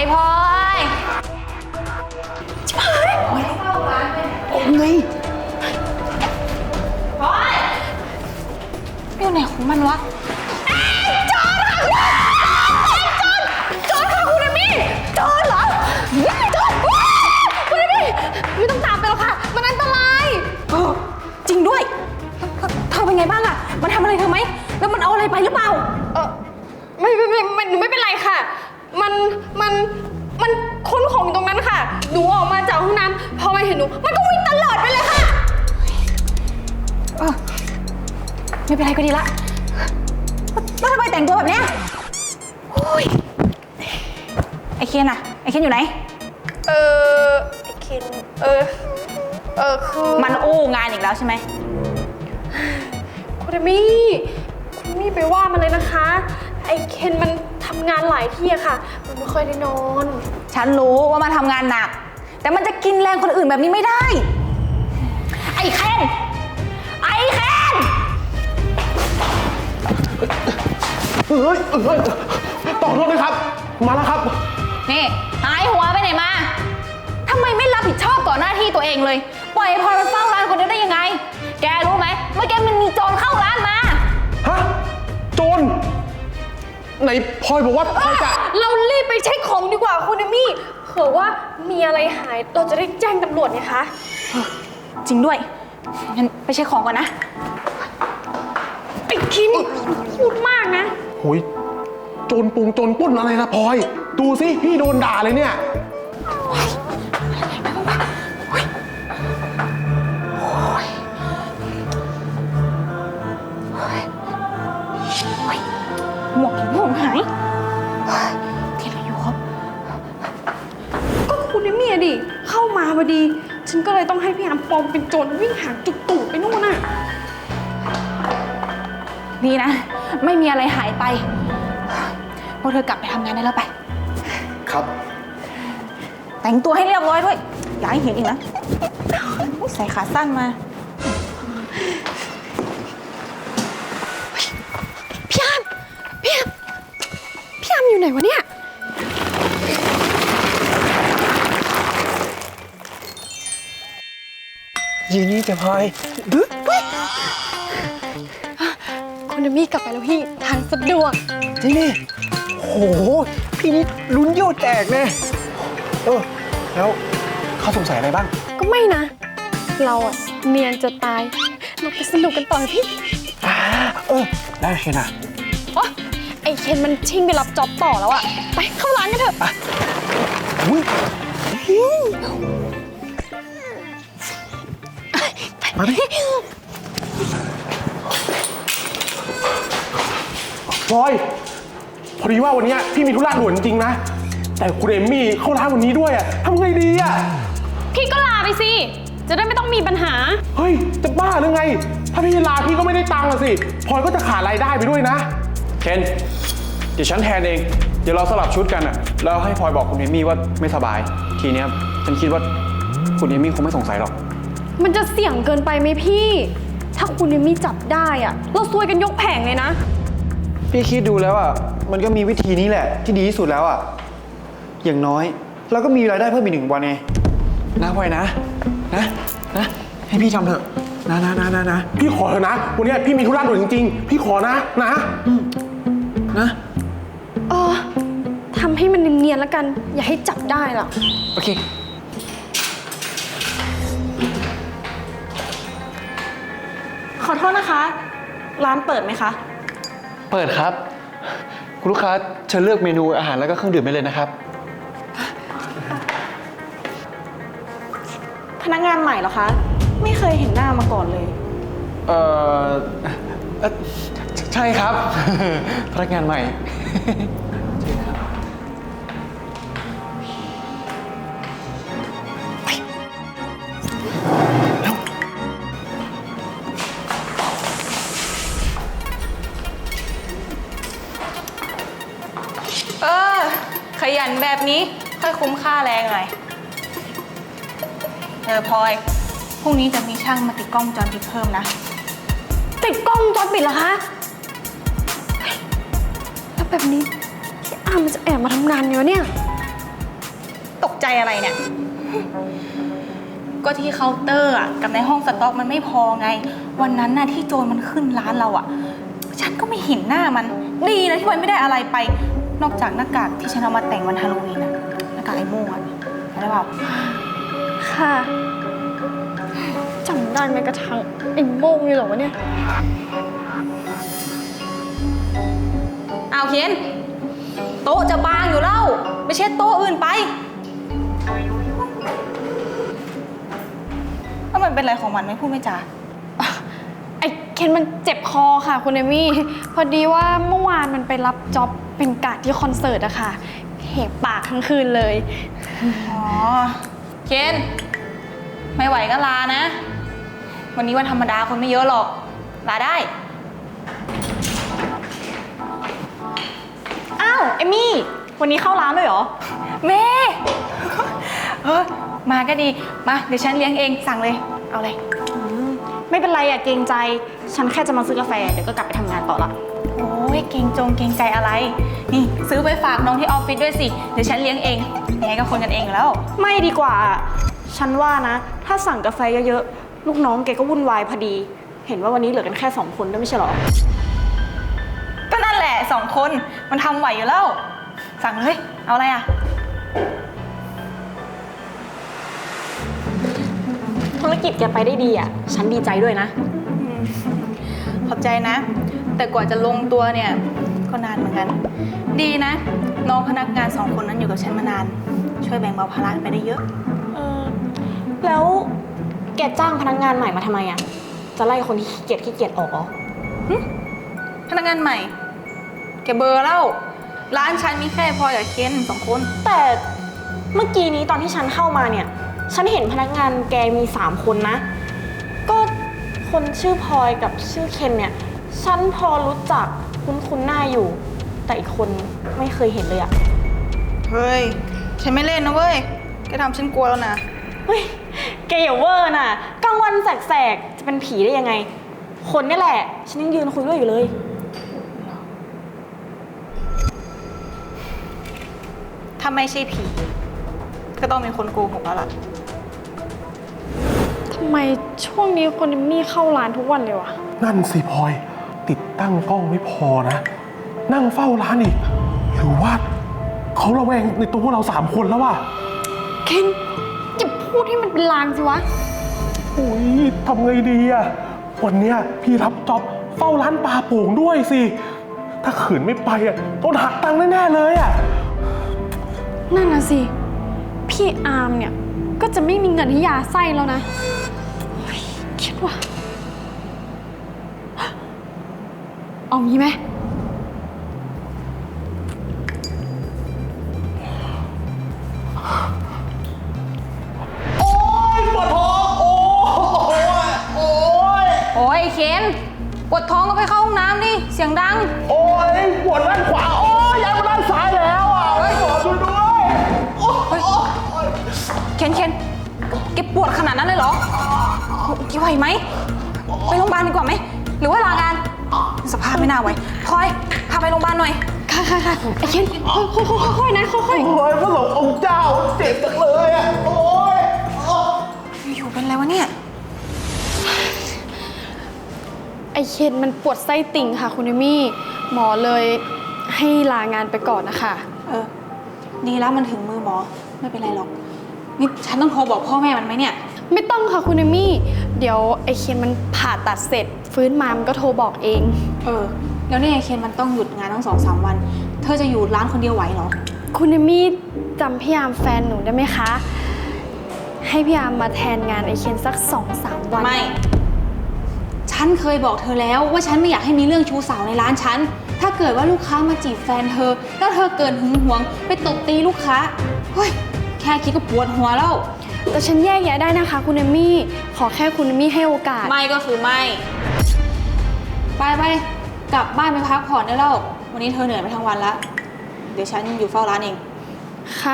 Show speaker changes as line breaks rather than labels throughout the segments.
พลอย
ผมไง
พลอยอยู่ไหนของมันวะโจรค่ะโจรค่ะคุณเอมี่โจรเหรอโจรคุณเอมี่ไม่ต้องตามไปหรอกค่ะมันอันตรายจริงด้วยเธอเป็นไงบ้างอะมันทำอะไรเธอไหมแล้วมันเอาอะไรไปหรือเปล่าไม่หนูไม่เป็นไรค่ะมันค้นของอยู่ตรงนั้นค่ะหนูออกมาจากห้องน้ำพอมันเห็นหนูมันก็วิ่งตลอดไปเลยค่ะไม่เป็นไรก็ดีละแล้วทำไมแต่งตัวแบบเนี้ยไอเคนอะไอเคนอยู่ไหนไอเคนคือมันอู้งานอีกแล้วใช่ไหมคุณมี่ไปว่ามันเลยนะคะไอเคนมันทำงานหลายที่อะค่ะมันไม่ค่อยได้นอนฉันรู้ว่ามันทำงานหนักแต่มันจะกินแรงคนอื่นแบบนี้ไม่ได้ไอเคน
ต่อโทษนะครับมาแล้วครับ
นี่หายหัวไปไหนมาทำไมไม่รับผิดชอบต่อหน้าที่ตัวเองเลยปล่อยพลอยมันเฝ้าร้านคนเดียวได้ยังไงแกรู้ไหมเมื่อกี้มันมีโจรเข้าร้านมา
ฮะโจรไหนพลอยบอกว่าพลอยจะ
เรารีบไปเช็คของดีกว่าคุณเอมี่เผื่อว่ามีอะไรหายเราจะได้แจ้งตำรวจไงคะจริงด้วยงั้นไปเช็คของก่อนนะไอ้คิมพูดมากนะ
หุยโจรปล้นอะไรนะพลอยดูสิพี่โดนด่าเลยเนี่ย
หมวกหายที่เราอยู่ครับก็คุณเอมี่ดิเข้ามาพอดีฉันก็เลยต้องให้พี่อาร์มปลอมเป็นโจรวิ่งหาจุดตูดไปนู่นน่ะนี่นะไม่มีอะไรหายไปพวกเธอกลับไปทำงานได้แล้วไป
ครับ
แต่งตัวให้เรียบร้อยด้วยอย่าให้เห็นอีกนะใส่ขาสั้นมาพี่อาร์มอยู่ไหนวะเนี่ย
ยืนนี่จะพลอย
คุณเอมี่กลับไปแล้วพี่ทางสะดวก
จริงนี่โหพี่นี่ลุ้นโยดแตกเลยแล้วเขาสงสัยอะไรบ้าง
ก็ไม่นะเราอะเนียนจะตายเราไปสนุกกันต่อพี่
ได้เคนอะ
ไอเคนมันชิ่งไปรับจ็อบต่อแล้วอะไปเข้าร้านกันเถอะ
มาดิพลอยพอดีว่าวันนี้พี่มีธุระด่วนจริงๆนะแต่คุณเอมมี่เข้าร้านวันนี้ด้วยอะทำไงดีอะ
พี่ก็ลาไปสิจะได้ไม่ต้องมีปัญหา
เฮ้ยจะบ้าหรือไงถ้าพี่ลาพี่ก็ไม่ได้ตังค์สิพลอยก็จะขาดรายได้ไปด้วยนะ
เคนเดี๋ยวฉันแทนเองเดี๋ยวเราสลับชุดกันอะแล้วให้พลอยบอกคุณเอมี่ว่าไม่สบายทีเนี้ยฉันคิดว่าคุณเอมี่คงไม่สงสัยหรอก
มันจะเสี่ยงเกินไปไหมพี่ถ้าคุณเอมี่จับได้อะเราซวยกันยกแผงเลยนะ
พี่คิดดูแล้วอะมันก็มีวิธีนี้แหละที่ดีที่สุดแล้วอะอย่างน้อยเราก็มีรายได้เพิ่มอีก1 วันไงนะพลอยนะให้พี่ทำเถอะนะ
พี่ขอเถอะนะวันนี้พี่มีธุระด่วนจริงๆพี่ขอนะ
ทำให้มันเนียนๆแล้วกันอย่าให้จับได้ล่ะ
โอเค
ขอโทษนะคะร้านเปิดไหมคะ
เปิดครับคุณลูกค้าเชิญเลือกเมนูอาหารแล้วก็เครื่องดื่มได้เลยนะครับ
พนักงานใหม่เหรอคะไม่เคยเห็นหน้ามาก่อนเลย
ใช่ครับพนักงานใหม่
ขยันแบบนี้ค่อยคุ้มค่าแรงหน่อยพลอยพรุ่งนี้จะมีช่างมาติดกล้องวงจรปิดเพิ่มนะติดกล้องวงจรปิดเหรอคะแล้วแบบนี้พี่อาร์มมันจะแอบมาทำงานอยู่เนี่ยตกใจอะไรเนี่ย ก็ที่เคาน์เตอร์อะกับในห้องสต็อกมันไม่พอไง วันนั้นน่ะที่โจรมันขึ้นร้านเราอะฉันก็ไม่เห็นหน้ามัน ดีนะที่มันไม่ได้อะไรไป นอกจากหน้ากากที่ฉันเอามาแต่งวันฮาโลวีนอะหน้ากากไอ้โม่งอะได้เปล่า
ค่ะจำได้ไหมกระทั่งไอ้โม่งนี่เหรอวะเนี่ย
เอาเคนโต๊ะจะบางอยู่แล้วไปเช็ดโต๊ะอื่นไปแล้วมันเป็นอะไรของมันไม่พูดไม่จา
ไอ้เคนมันเจ็บคอค่ะคุณเอมี่ พอดีว่าเมื่อวานมันไปรับจ็อบเป็นการ์ดที่คอนเสิร์ตอะค่ะเหบปากทั้งคืนเลย
อ๋อ เคนไม่ไหวก็ลานะ วันนี้วันธรรมดาคนไม่เยอะหรอก ลาได้
อ้าวเอมี่ วันนี้เข้าร้านด้วยเหรอ
เมมาก็ดี มาเดี๋ยวฉันเลี้ยงเองสั่งเลย เอาเลย
ไม่เป็นไรอะเกรงใจ ฉันแค่จะมาซื้อกาแฟเดี๋ยวก็กลับไปทำงานต่อละ
โอ้ยเกรงใจอะไร นี่ซื้อไปฝากน้องที่ออฟฟิศด้วยสิ เดี๋ยวฉันเลี้ยงเองยังไงก็คนกันเองอยู่แล้ว
ไม่ดีกว่า ฉันว่านะ ถ้าสั่งกาแฟเยอะๆ ลูกน้องแกก็วุ่นวายพอดี เห็นว่าวันนี้เหลือกันแค่2 คนด้วยไม่ใช่เหรอ
ก็นั่นแหละ2 คนมันทำไหวอยู่แล้ว สั่งเลย เอาอะไรอ่ะ
ธุรกิจแกไปได้ดีอะฉันดีใจด้วยนะ
ขอบใจนะ แต่กว่าจะลงตัวเนี่ยก็นานเหมือนกัน ดีนะ น้องพนักงาน2 คนนั้นอยู่กับฉันมานาน ช่วยแบ่งเบาภาระไปได้เยอะ
แล้วแกจ้างพนักงานใหม่มาทำไมอะจะไล่คนที่ขี้เกียจออกเหรอ
พนักงานใหม่ แกเบอร์แล้วร้านฉันมีแค่พลอยกับเคน2 คน
แต่เมื่อกี้นี้ตอนที่ฉันเข้ามาเนี่ย ฉันเห็นพนักงานแกมี3 คนนะ ก็คนชื่อพลอยกับชื่อเคนเนี่ย ฉันพอรู้จักคุ้นหน้าอยู่ แต่อีกคนไม่เคยเห็นเลยอะ
เฮ้ย ฉันไม่เล่นนะเว้ย แกทำฉันกลัวแล้วนะ
เฮ้ยแกอย่าเวอร์น่ะกลางวันแสกๆจะเป็นผีได้ยังไง คนนี่แหละ ฉันยังยืนคุยด้วยอยู่เลย
ถ้าไม่ใช่ผี ก็ต้องเป็นคนโกหกแล้วล่ะ
ทำไมช่วงนี้คนนี่เข้าร้านทุกวันเลยวะ
นั่นสิพลอย ติดตั้งกล้องไม่พอนะ นั่งเฝ้าร้านอีก หรือว่าเขาระแวงในตัวพวกเรา3 คนแล้วว่ะ
เคนอย่าพูดให้มันเป็นลางสิวะ
โอ้ยทำไงดีอะวันเนี้ยพี่รับจ็อบเฝ้าร้านปลาโป่งด้วยสิ ถ้าขืนไม่ไปอะโดนหักตังค์แน่ๆเลยอะ
นั่นน่ะสิ พี่อาร์มเนี่ย ก็จะไม่มีเงินให้ยาไส้แล้วนะเฮ้ยคิดว่า เอางี้ไหม
โอ้ยปวดท้อง โอ้ย
โอ้ยไอ้เคนปวดท้องก็ไปเข้าห้องน้ำดิ เสียงดัง
โอ้ยปวดด้านขวา โอ้ยย้ายมาด้านซ้ายแล้วอ่ะหมอช่วยด้วยโอ้ย
เคนแกปวดขนาดนั้นเลยเหรอแกไหวไหม ไปโรงพยาบาลดีกว่าไหม หรือว่าลางาน สภาพไม่น่าไหวพลอย พาไปโรงพยาบาลหน่อย
ค่ะไอ้เคนค่อยๆนะค่อย
โอ้ยพระสงฆ์องค์เจ้าเจ็บจังเลยอ่ะ โอ้ย
อยู่เป็นอะไรวะเนี่ย
ๆไอ้เคนมันปวดไส้ติ่งค่ะคุณเอมี่ หมอเลยให้ลางานไปก่อนนะคะ
ดีแล้วมันถึงมือหมอ ไม่เป็นไรหรอก นี่ฉันต้องโทรบอกพ่อแม่มันไหมเนี่ย
ไม่ต้องค่ะคุณเอมี่ เดี๋ยวไอ้เคนมันผ่าตัดเสร็จ ฟื้นมามันก็โทรบอกเอง
แล้วเนี่ยเคนมันต้องหยุดงานตั้ง2-3 วัน เธอจะอยู่ร้านคนเดียวไหวเหรอ
คุณเอมี่จำพี่ยามแฟนหนูได้ไหมคะ ให้พี่ยามมาแทนงานไอเคนสัก 2-3 วัน
ไม่ ฉันเคยบอกเธอแล้วว่าฉันไม่อยากให้มีเรื่องชู้สาวในร้านฉัน ถ้าเกิดว่าลูกค้ามาจีบแฟนเธอ แล้วเธอเกิดหึงหวงไปตบตีลูกค้า เฮ้ย แค่คิดก็ปวดหัวแล้ว
แต่ฉันแยกแยะได้นะคะคุณเอมี่ ขอแค่คุณเอมี่ให้โอกาส
ไม่ก็คือไม่ ไปกลับบ้านไปพักผ่อนได้แล้ว วันนี้เธอเหนื่อยไปทั้งวันแล้ว เดี๋ยวฉันอยู่เฝ้าร้านเอง
ค่ะ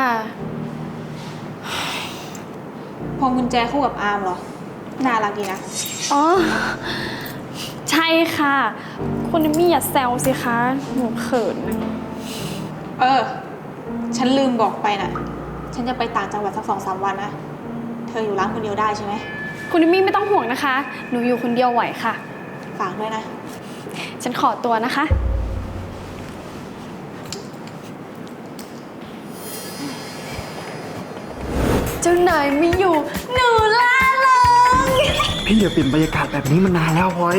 พวงกุญแจคู่กับอาร์มเหรอ น่ารักดีนะ
อ๋อ ใช่ค่ะ คุณเอมี่อย่าแซวสิคะ หนูเขินนะ
ฉันลืมบอกไปน่ะ
ฉันจะไปต่างจังหวัดสัก2-3 วันนะ เธออยู่ร้านคนเดียวได้ใช่ไหม
คุณเอมี่ไม่ต้องห่วงนะคะ หนูอยู่คนเดียวไหวค่ะ
ฝากด้วยนะ
ฉันขอตัวนะคะ เจ้านายไม่อยู่หนูล่าเริง
พี่อย่าเปลี่ยนบรรยากาศแบบนี้มานานแล้วพลอย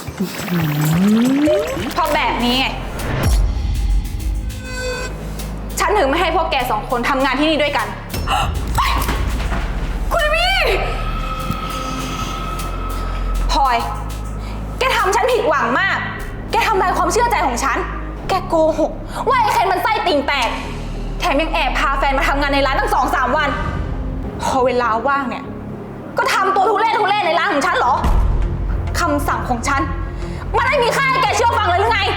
เพราะแบบนี้ไงฉันถึงไม่ให้พวกแก2 คนทำงานที่นี่ด้วยกัน คุณเอมี่พลอย แกทำฉันผิดหวังมาก แกทำลายความเชื่อใจของฉัน แกโกหกว่าไอ้เคนมันไส้ติ่งแตก แถมยังแอบพาแฟนมาทำงานในร้านตั้ง2-3 วัน พอเวลาว่างเนี่ย ก็ทำตัวทุเรศในร้านของฉันเหรอ คำสั่งของฉัน มันไม่มีค่าให้แกเชื่อฟังเลยหรือไง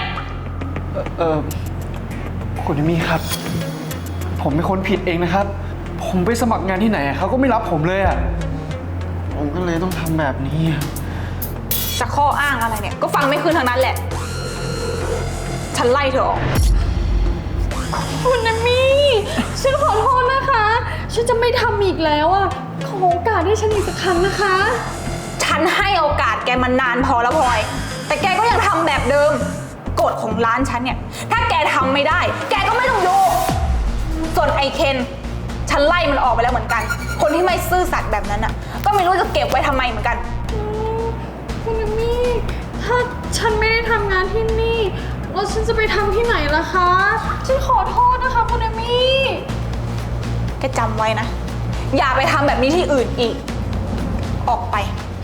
คุณเอมี่ครับ ผมเป็นคนผิดเองนะครับ ผมไปสมัครงานที่ไหนเขาก็ไม่รับผมเลยอ่ะ ผมก็เลยต้องทำแบบนี้อะ
จะข้ออ้างอะไรเนี่ย ก็ฟังไม่คืนทางนั้นแหละ ฉันไล่เธอออก คุณเอมี่ฉันขอโทษนะคะ ฉันจะไม่ทำอีกแล้วอ่ะ ขอโอกาสให้ฉันอีกสักครั้งนะคะ ฉันให้โอกาสแกมานานพอแล้วพลอย แต่แกก็ยังทำแบบเดิมกฎของร้านฉันเนี่ย ถ้าแกทำไม่ได้ แกก็ไม่ต้องอยู่ส่วนไอเคนฉันไล่มันออกไปแล้วเหมือนกัน คนที่ไม่ซื่อสัตย์แบบนั้นอ่ะ ก็ไม่รู้จะเก็บไว้ทำไมเหมือนกัน
คุณเอมี่ ถ้าฉันไม่ได้ทำงานที่นี่ แล้วฉันจะไปทำที่ไหนล่ะคะ ฉันขอโทษนะคะคุณเอมี่
แกจำไว้นะ อย่าไปทำแบบนี้ที่อื่นอีก ออกไป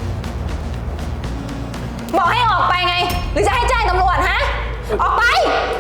บอกให้ออกไปไง หรือจะให้แจ้งตำรวจฮะ ออกไป